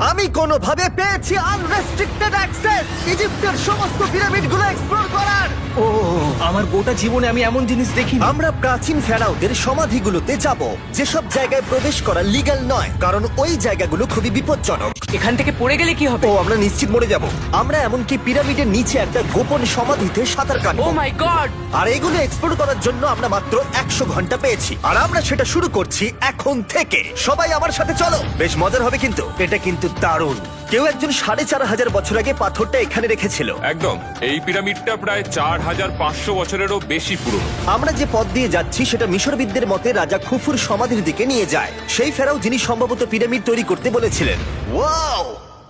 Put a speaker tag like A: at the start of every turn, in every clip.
A: আমি কোনোভাবে পেয়েছি আনরেস্ট্রিক্টেড অ্যাক্সেস ইজিপ্টের সমস্ত পিরামিডগুলো এক্সপ্লোর করার।
B: ও আমার গোটা জীবনে আমি এমন জিনিস দেখিনি।
A: আমরা প্রাচীন ফেরাওদের সমাধিগুলোতে যাব, যেসব জায়গায় প্রবেশ করা লিগ্যাল নয়, কারণ ওই জায়গাগুলো খুবই বিপজ্জনক।
C: এখান থেকে পড়ে গেলে কি হবে?
A: ও আমরা নিশ্চিত মরে যাব। আমরা এমনকি পিরামিডের নিচে একটা গোপন সমাধিতে সাঁতার
C: ও
A: কাটবো।
C: মাই গড!
A: আর এগুলো এক্সপ্লোর করার জন্য আমরা মাত্র 100 ঘন্টা পেয়েছি, আর আমরা সেটা শুরু করছি এখন থেকে। সবাই আমার সাথে চলো, বেশ মজার হবে কিন্তু। এটা কিন্তু দারুণ। কেউ একজন 4500 বছর আগে পাথরটা এখানে রেখেছিল।
D: একদম, এই পিরামিডটা প্রায় 4500 বছরেরও বেশি পুরনো।
A: আমরা যে পথ দিয়ে যাচ্ছি সেটা মিশরবিদদের মতে রাজা খুফুর সমাধির দিকে নিয়ে যায়, সেই ফেরাও যিনি সম্ভবত পিরামিড তৈরি করতে বলেছিলেন। ওয়াও!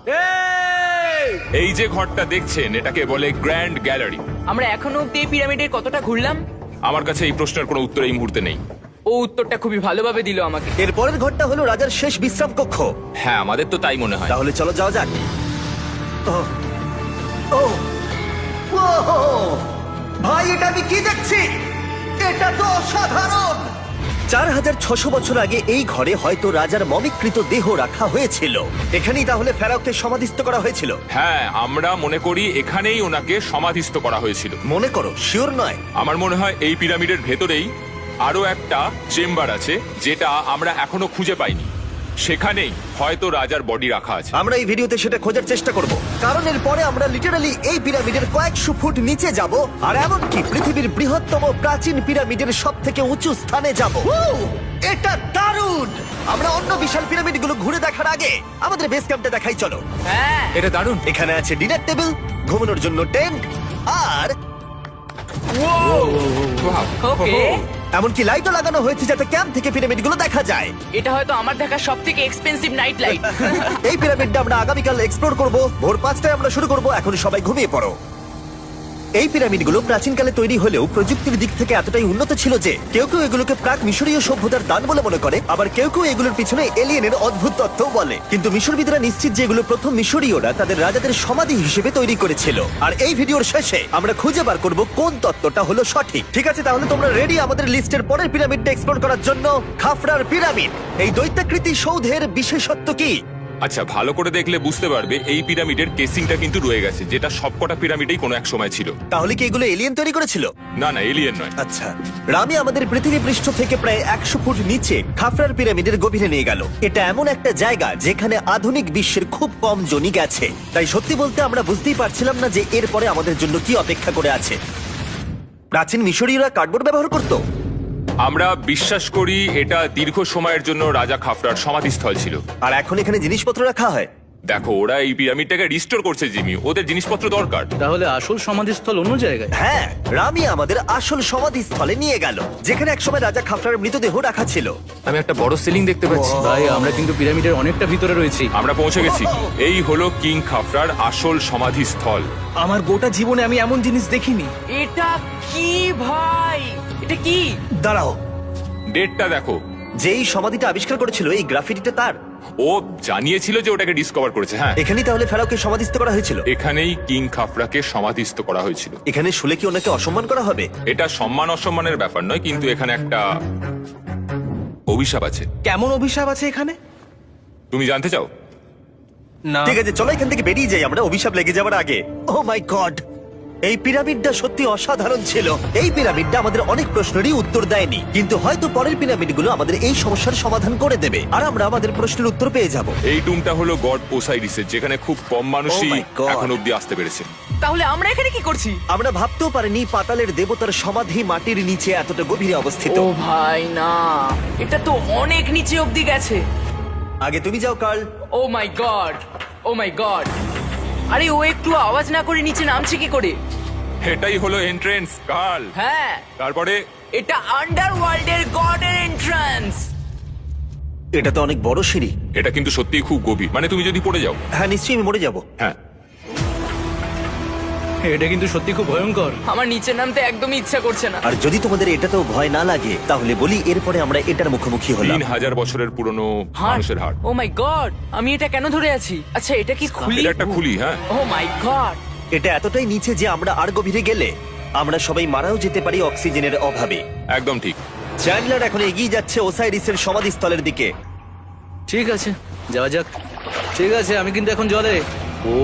D: এই যে ঘরটা দেখছেন এটাকে বলে গ্র্যান্ড গ্যালারি।
C: আমরা এখনো অব্দি এই পিরামিডের কতটা ঘুরলাম?
D: আমার কাছে এই প্রশ্নের কোনো উত্তর এই মুহূর্তে নেই।
C: ও উত্তরটা খুবই ভালোভাবে দিল আমাকে।
A: এর পরের ঘরটা হলো রাজার শেষ বিশ্রাম কক্ষ।
D: হ্যাঁ, আমাদের তো তাই মনে হয়।
A: তাহলে চলো যাওয়া যাক। ও ও ও ভাই, এটা আমি কি দেখছি? এটা তো অসাধারণ। 4600 বছর আগে এই ঘরে হয়তো রাজার মমিকৃত দেহ রাখা হয়েছিল। এখানেই তাহলে ফেরাওকে সমাধিস্থ করা হয়েছিল।
D: হ্যাঁ, আমরা মনে করি এখানেই ওনাকে সমাধিস্থ করা হয়েছিল।
A: মনে করো, শিওর নয়।
D: আমার মনে হয় এই পিরামিডের ভেতরেই আরো একটা চেম্বার আছে যেটা আমরা এখনো খুঁজে পাইনি। সেখানেই হয়তো রাজার বডি রাখা আছে।
A: আমরা এই ভিডিওতে সেটা খোঁজার চেষ্টা করব, কারণ এর পরে আমরা লিটারালি এই পিরামিডের কয়েকশো ফুট নিচে যাব, আর এমনকি পৃথিবীর বৃহত্তম প্রাচীন পিরামিডের সব থেকে উঁচু স্থানে যাব। এটা দারুণ! আমরা অন্য বিশাল পিরামিডগুলো ঘুরে দেখার আগে আমাদের বেস ক্যাম্পটা দেখাই চলো।
C: হ্যাঁ,
D: এটা দারুণ।
A: এখানে আছে ডিনার টেবিল, ঘুমানোর জন্য টেন্ট, আর
C: ওকে।
A: এমনকি লাইটও লাগানো হয়েছে যাতে ক্যাম্প থেকে পিরামিডগুলো দেখা যায়।
C: এটা হয়তো আমার দেখা সবথেকে এক্সপেন্সিভ নাইট লাইট।
A: এই পিরামিডটা আমরা আগামীকাল এক্সপ্লোর করব। ভোর 5টায় আমরা শুরু করব। এখন সবাই ঘুমিয়ে পড়ো। এই পিরামিডগুলো প্রাচীনকালে তৈরি হলেও প্রযুক্তির দিক থেকে এতটাই উন্নত ছিল যে কেউ কেউ এগুলোকে প্রাক মিশরীয় সভ্যতার দান বলে মনে করে, আবার কেউ কেউ এগুলোর পিছনে এলিয়েনের অদ্ভুত তত্ত্ব বলে। কিন্তু মিশরবিদরা নিশ্চিত যে এগুলো প্রথম মিশরীয়রা তাদের রাজাদের সমাধি হিসেবে তৈরি করেছিল। আর এই ভিডিওর শেষে আমরা খুঁজে বার করব কোন তত্ত্বটা হলো সঠিক। ঠিক আছে, তাহলে তোমরা রেডি আমাদের লিস্টের পরের পিরামিডটা এক্সপ্লোর করার জন্য? খাফরার পিরামিড। এই দৈত্যাকৃতি সৌধের বিশেষত্ব কি?
D: আচ্ছা, ভালো করে দেখলে বুঝতে পারবে এই পিরামিডের কেসিংটা কিন্তু রয়ে গেছে, যেটা সবকটা পিরামিডেই কোনো এক সময় ছিল।
A: তাহলে কি এগুলো এলিয়েন তৈরি করেছিল?
D: না না, এলিয়েন নয়।
A: আচ্ছা, রামি আমাদের পৃথিবী পৃষ্ঠ থেকে প্রায় 100 ফুট নিচে খাফরার পিরামিডের গভীরে নিয়ে গেল। এটা এমন একটা জায়গা যেখানে আধুনিক বিশ্বের খুব কম জনই গেছে, তাই সত্যি বলতে আমরা বুঝতেই পারছিলাম না যে এরপরে আমাদের জন্য কি অপেক্ষা করে আছে। প্রাচীন মিশরীয়রা কার্ডবোর্ড ব্যবহার করত।
D: আমরা বিশ্বাস করি এটা দীর্ঘ সময়ের জন্য রাজা খাফরার সমাধিস্থল ছিল।
A: আর এখন এখানে জিনিসপত্র রাখা হয়।
D: দেখো, ওরা এই পিরামিডটাকে রিস্টোর করছে জিমি, ওদের জিনিসপত্র দরকার।
B: তাহলে আসল সমাধিস্থল অন্য জায়গায়?
A: হ্যাঁ, রামি আমাদের আসল সমাধিস্থলে নিয়ে গেল, যেখানে একসময় রাজা খাফরার মৃতদেহ রাখা ছিল।
E: আমি একটা বড় সিলিং দেখতে পাচ্ছি।
B: ভাই, আমরা কিন্তু পিরামিডের অনেকটা ভিতরে রয়েছি।
D: আমরা পৌঁছে গেছি। এই হলো কিং খাফরার আসল সমাধিস্থল।
B: আমার গোটা জীবনে আমি এমন জিনিস দেখিনি।
C: এটা কি ভাই? এটা কি?
A: দাঁড়াও,
D: ডেটটা দেখো।
A: যেই সমাধিটা আবিষ্কার করেছিল এই গ্রাফিটিটা তার।
D: ও জানিয়েছিল যে ওটাকে ডিসকভার করেছে। হ্যাঁ,
A: এখানেই তাহলে ফেরাওকে সমাধিস্থ করা হয়েছিল।
D: এখানেই কিং খাফরাকে সমাধিস্থ করা হয়েছিল।
A: এখানে শুলে কি ওনাকে অসম্মান করা হবে?
D: এটা সম্মান অসম্মানের ব্যাপার নয়, কিন্তু এখানে একটা অভিশাপ আছে।
B: কেমন অভিশাপ আছে এখানে?
D: তুমি জানতে চাও?
B: না।
A: ঠিক আছে, চলো এখান থেকে বেরিয়ে যাই আমরা অভিশাপ লেগে যাওয়ার আগে। ও মাই গড, এই পিরামিডটা সত্যি অসাধারণ ছিল। এই পিরামিডটা আমাদের অনেক প্রশ্নেরই উত্তর দেয়নি, কিন্তু হয়তো পরের পিরামিডগুলো আমাদের এই সমস্যার সমাধান করে দেবে, আর আমরা আমাদের প্রশ্নের উত্তর পেয়ে যাব।
D: এই টুমটা হলো গড ওসাইরিসের, যেখানে খুব কম মানুষই
A: Oh my God!
D: এখন অব্দি আসতে পেরেছে।
C: তাহলে আমরা এখানে কি করছি?
A: আমরা ভাবতেও পারিনি পাতালের দেবতার সমাধি মাটির নিচে এতটা গভীরে অবস্থিত।
C: ও ভাই না, এটা তো অনেক নিচে অব্দি গেছে।
A: আগে তুমি যাও Carl.
C: Oh my god, oh my god. আরে ও একটু আওয়াজ না করে নিচে নামছে কি করে?
D: এটাই হলো এন্ট্রেন্স, কাল।
C: হ্যাঁ,
D: তারপরে
C: এটা আন্ডারওয়ার্ল্ডের গডের এন্ট্রান্স।
A: এটা তো অনেক বড় সিঁড়ি।
D: এটা কিন্তু সত্যিই খুব গভীর, মানে তুমি যদি পড়ে যাও।
A: হ্যাঁ, নিশ্চয়ই আমি মরে যাব।
D: হ্যাঁ,
B: এটা কিন্তু সত্যি খুব ভয়ঙ্কর।
C: আমার নিচে নামতে একদমই ইচ্ছা করছে না।
A: আর যদি তোমাদের এটাতেও ভয় না লাগে তাহলে বলি এরপরে আমরা এটার মুখোমুখি হলাম।
D: 3000 বছরের পুরনো মানুষের হাড়।
C: ও মাই গড, আমি এটা কেন ধরে আছি? আচ্ছা, এটা কি খুলি?
D: এটা একটা খুলি। হ্যাঁ,
C: ও মাই গড।
A: এটা এতটাই নিচে যে আমরা আর গভীরে গেলে আমরা সবাই মারাও যেতে পারি অক্সিজেনের অভাবে।
D: একদম ঠিক।
A: চ্যান্ডলার এখন এগিয়ে যাচ্ছে ওসাইরিসের সমাধিস্থলের দিকে।
B: ঠিক আছে, যাওয়া যাক। ঠিক আছে, আমি কিন্তু এখন জলে। ও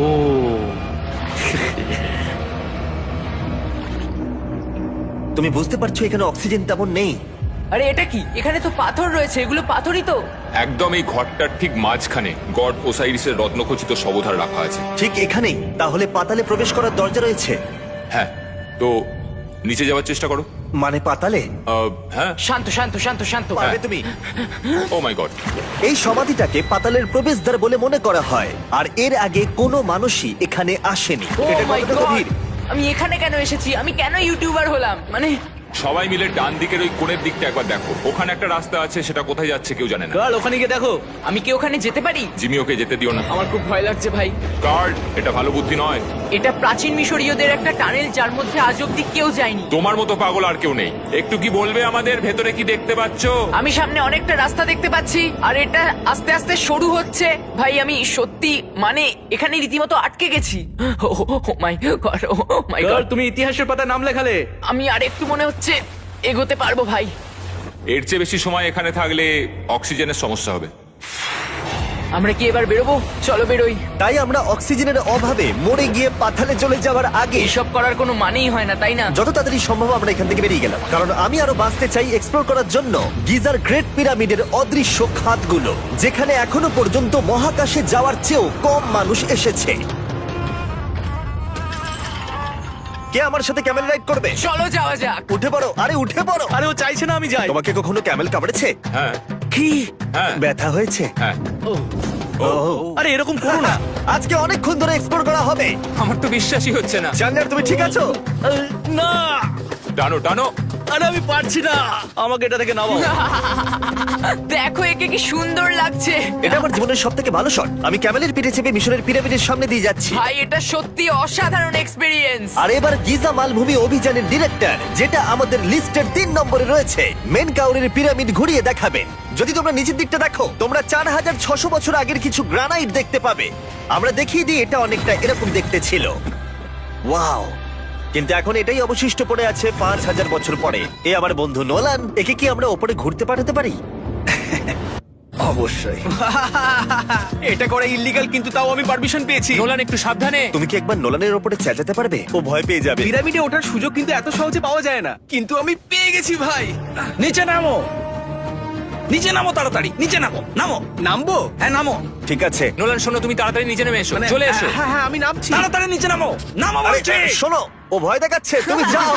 A: তুমি বুঝতে পারছো এখানে অক্সিজেন তেমন নেই।
C: আরে এটা কি? এখানে তো পাথর রয়েছে, এগুলো পাথরই তো।
D: একদম এই ঘরটার ঠিক মাঝখানে গড ওসাইরিসের রত্নখচিত শবধার রাখা আছে।
A: ঠিক এখানেই তাহলে পাতালে প্রবেশ করার দরজা রয়েছে।
D: হ্যাঁ, তো নিচে যাওয়ার চেষ্টা করো।
A: মানে পাতালে
D: হ্যাঁ।
C: শান্ত শান্ত শান্ত শান্ত।
A: পারবে তুমি?
D: Oh my god.
A: এই সমাধিটাকে পাতালের প্রবেশদ্বার বলে মনে করা হয়, আর এর আগে কোনো মানুষই এখানে আসেনি।
C: ও
A: এটা
C: মাই
A: কতটা
C: গড,
A: গভীর?
C: আমি এখানে কেন এসেছি? আমি কেন ইউটিউবার হলাম? মানে
D: সবাই মিলে ডান দিকের ওই কোণের দিকটা একবার দেখো। ওখানে একটা রাস্তা আছে, সেটা কোথায় যাচ্ছে কেউ জানে না।
B: গার্ল, ওখানে গিয়ে দেখো।
C: আমি কি ওখানে যেতে পারি?
D: জিমি, ওকে যেতে দিও না।
C: আমার খুব ভয় লাগছে ভাই।
D: গার্ড, এটা ভালো বুদ্ধি নয়।
C: এটা প্রাচীন মিশরীয়দের একটা টানেল, যার মধ্যে আজ অব্দি কেউ যায়নি।
D: তোমার মতো পাগল আর কেউ নেই। একটু কি বলবে আমাদের ভেতরে কি দেখতে পাচ্ছো?
C: আমি সামনে অনেকটা রাস্তা দেখতে পাচ্ছি, আর এটা আস্তে আস্তে সরু হচ্ছে। ভাই আমি সত্যি মানে এখানে রীতিমতো আটকে গেছি। Oh my god, oh my
B: girl,
C: god.
B: তুমি ইতিহাসের পাতা নাম লেখালে।
C: আমি আর একটু মনে হচ্ছে এগোতে পারবো ভাই।
D: এর চেয়ে বেশি সময় এখানে থাকলে অক্সিজেনের সমস্যা হবে।
C: আমরা কি এবার বেরোবো? চলো বেরোই।
A: তাই আমরা অক্সিজেনের অভাবে মরে গিয়ে পাতালে চলে যাওয়ার আগে
C: এসব করার কোনো মানেই হয় না, তাই না?
A: যত তাড়াতাড়ি সম্ভব আমরা এখান থেকে বেরিয়ে গেলাম, কারণ আমি আরো বাঁচতে চাই এক্সপ্লোর করার জন্য গিজার গ্রেট পিরামিডের অদৃশ্য খাতগুলো, যেখানে এখনো পর্যন্ত মহাকাশে যাওয়ার চেয়েও কম মানুষ এসেছে। কে আমার সাথে ক্যামেল রাইড করবে?
C: চলো যাওয়া যাক।
A: উঠে পড়ো, আরে উঠে পড়ো।
B: আরে ও চাইছে না আমি যাই।
A: তোমাকে কখনো ক্যামেল কামড়েছে?
D: হ্যাঁ
A: কি
D: হ্যাঁ
A: ব্যথা হয়েছে?
D: হ্যাঁ।
B: আরে এরকম করো না।
A: আজকে অনেকক্ষণ ধরে এক্সপ্লোর করা হবে।
D: আমার তো বিশ্বাসই হচ্ছে না।
A: জানলার তুমি ঠিক আছো?
B: না,
D: টানো টানো।
B: আরে আমি পারছি না, আমাকে এটা থেকে নামাও।
C: দেখো একে কি সুন্দর লাগছে।
A: এটা আমার জীবনের সব থেকে ভালো শট। আমি ক্যামেলের পিঠে চেপে মিশরের পিরামিডের সামনে দিয়ে যাচ্ছি।
C: ভাই এটা সত্যি অসাধারণ এক্সপেরিয়েন্স।
A: আর এবার গিজা মালভূমি অভিযানের ডিরেক্টর, যেটা আমাদের লিস্টের 3 নম্বরে রয়েছে, মেনকাউরের পিরামিড ঘুরিয়ে দেখাবেন। যদি তোমরা নিচের দিকটা দেখো, তোমরা 4600 বছর আগের কিছু গ্রানাইট দেখতে পাবে। আমরা দেখিয়ে দিই, এটা অনেকটা এরকম দেখতে ছিল। ওয়াও! কিন্তু এখন এটাই অবশিষ্ট পড়ে আছে 5000 বছর পরে। এ আমার বন্ধু নোলান, একে কি আমরা ওপরে ঘুরতে পাঠাতে পারি? অবশ্যই।
B: এটা করা ইল্লিগাল, কিন্তু তাও আমি পারমিশন পেয়েছি।
C: নোলান একটু সাবধানে।
A: তুমি কি একবার নোলানের ওপরে চেঁচাতে পারবে? ও ভয় পেয়ে যাবে।
B: পিরামিডে ওঠার সুযোগ কিন্তু এত সহজে পাওয়া যায় না, কিন্তু আমি পেয়ে গেছি ভাই। নিচে নামো, নিচে নামো, তাড়াতাড়ি নিচে নামো। নামো। নামবো? হ্যাঁ নামো।
A: ঠিক আছে।
C: নোলান শোনো, তুমি তাড়াতাড়ি নিচে নেমে এসো। চলে এসো।
B: হ্যাঁ হ্যাঁ, আমি নামছি। তাড়াতাড়ি নিচে নামো। নামো
A: আরে
B: বলছি।
A: শোনো, ও ভয় দেখাচ্ছে, তুমি যাও।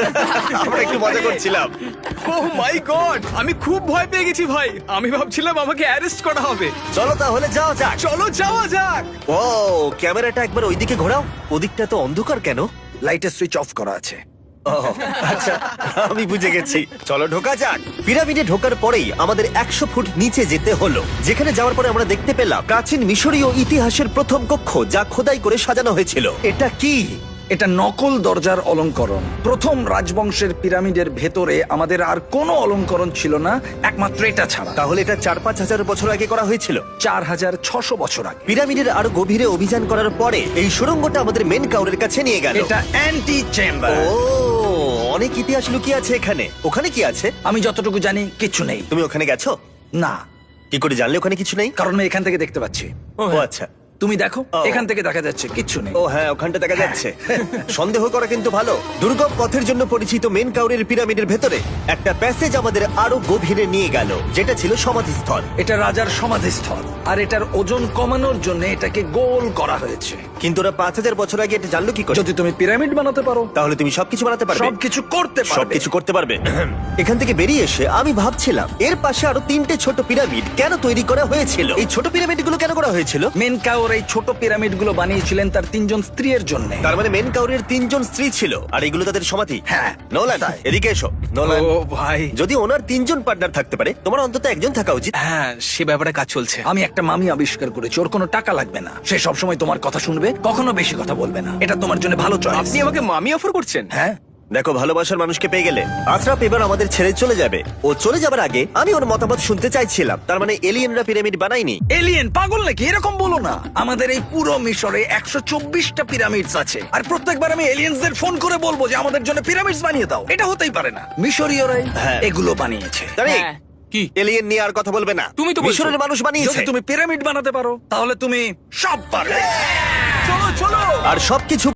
A: আমরা একটু মজা করছিলাম।
B: ও মাই গড, আমি খুব ভয় পেয়ে গেছি ভাই। আমি ভাবছিলাম আমাকে অ্যারেস্ট করা হবে।
A: চলো তাহলে যাও যাক।
B: চলো যাওয়া যাক।
A: ও ক্যামেরাটা একবার ওইদিকে ঘোরাও। ওদিকটা তো অন্ধকার কেন?
F: লাইটের সুইচ অফ করা আছে।
A: ও আচ্ছা, আমি বুঝে গেছি। চলো ঢোকা যাক। পিরামিডে ঢোকার পরেই আমাদের 100 ফুট নিচে যেতে হলো, যেখানে যাওয়ার পরে আমরা দেখতে পেলাম প্রাচীন মিশরীয় ইতিহাসের প্রথম কক্ষ, যা খোদাই করে সাজানো হয়েছিল। এটা কি?
F: এটা নকল দরজার অলঙ্করণ। প্রথম রাজবংশের পিরামিডের ভেতরে আমাদের আর কোনো অলঙ্করণ ছিল না, একমাত্র এটা ছাড়া।
A: তাহলে এটা 4-5 হাজার বছর আগে করা হয়েছিল।
F: 4600 বছর আগে।
A: পিরামিডের আরো গভীরে অভিযান করার পরে এই সুড়ঙ্গটা আমাদের মেন কাউরের কাছে নিয়ে গেল।
F: এটা অ্যান্টি চেম্বার।
A: ও অনেক ইতিহাস লুকিয়ে আছে এখানে। ওখানে কি আছে?
F: আমি যতটুকু জানি কিছু নেই।
A: তুমি ওখানে গেছো?
F: না,
A: কি করে জানলে ওখানে কিছু নেই?
F: কারণ আমি এখান থেকে দেখতে পাচ্ছি।
A: ও আচ্ছা।
F: তুমি দেখো,
A: ও।
F: এখান থেকে দেখা যাচ্ছে কিচ্ছু নেই।
A: ও হ্যাঁ, ওখানটা দেখা যাচ্ছে। সন্দেহ করা কিন্তু ভালো। দুর্গম পথের জন্য পরিচিত মেন কাউরের পিরামিডের ভেতরে একটা প্যাসেজ আমাদের আরো গভীরে নিয়ে গেল, যেটা ছিল সমাধিস্থল।
F: এটা রাজার সমাধিস্থল, আর এটার ওজন কমানোর জন্য এটাকে গোল করা হয়েছে।
A: কিন্তু ওরা 5000 বছর আগে এটা জানলো কি করে?
F: যদি তুমি পিরামিড বানাতে পারো,
A: তাহলে তুমি সবকিছু বানাতে পারবে।
F: সবকিছু করতে পারবে।
A: সবকিছু করতে পারবে। এখান থেকে বেরিয়ে এসে আমি ভাবছিলাম, এর পাশে আরো 3টে ছোট পিরামিড কেন তৈরি করা হয়েছিল? এই ছোট পিরামিডগুলো কেন করা হয়েছিল?
F: মেনকাওর এই ছোট পিরামিডগুলো বানিয়েছিলেন তার 3জন স্ত্রীর জন্য।
A: তার মানে মেন কাউরের 3 জন স্ত্রী ছিল, আর এগুলো তাদের সমাধি।
F: হ্যাঁ,
A: নোলান
F: তাই।
A: এদিকে এসো। নোলান,
B: ও ভাই।
A: যদি ওনার 3 জন পার্টনার থাকতে পারে, তোমার অন্তত একজন থাকা উচিত।
B: হ্যাঁ, সে ব্যাপারে কাজ চলছে।
F: আমি একটা মামি আবিষ্কার করেছি, ওর কোনো টাকা লাগবে না। সে সবসময় তোমার কথা শুনবে, কখনো বেশি কথা বলবে না। এটা তোমার জন্য ভালো চয়েস।
B: আপনি আমাকে মামি অফার করছেন?
F: হ্যাঁ,
A: দেখো, ভালোবাসার মানুষকে পেয়ে গেলে আশরাফ এবার আমাদের ছেড়ে চলে যাবে। ও চলে যাবার আগে আমি ওর মতামত শুনতে চাইছিলাম। তার মানে এলিয়েনরা পিরামিড বানায়নি?
F: এলিয়েন পাগল নাকি? এরকম বলো না। আমাদের এই পুরো মিশরে 124টা পিরামিডস আছে, আর প্রত্যেকবার আমি এলিয়েন্সদের ফোন করে বলবো যে আমাদের জন্য পিরামিডস বানিয়ে দাও। এটা হতেই পারে না। মিশরীয়রাই
A: হ্যাঁ।
F: এগুলো বানিয়েছে।
A: তারিক,
C: হ্যাঁ।
D: কি?
A: এলিয়েন নিয়ে আর কথা বলবে না।
D: তুমি তো বলছো।
A: মিশরের মানুষ বানিয়েছে।
F: যদি তুমি পিরামিড বানাতে পারো তাহলে তুমি সব পারবে। চলো চলো।
A: আর সবকিছু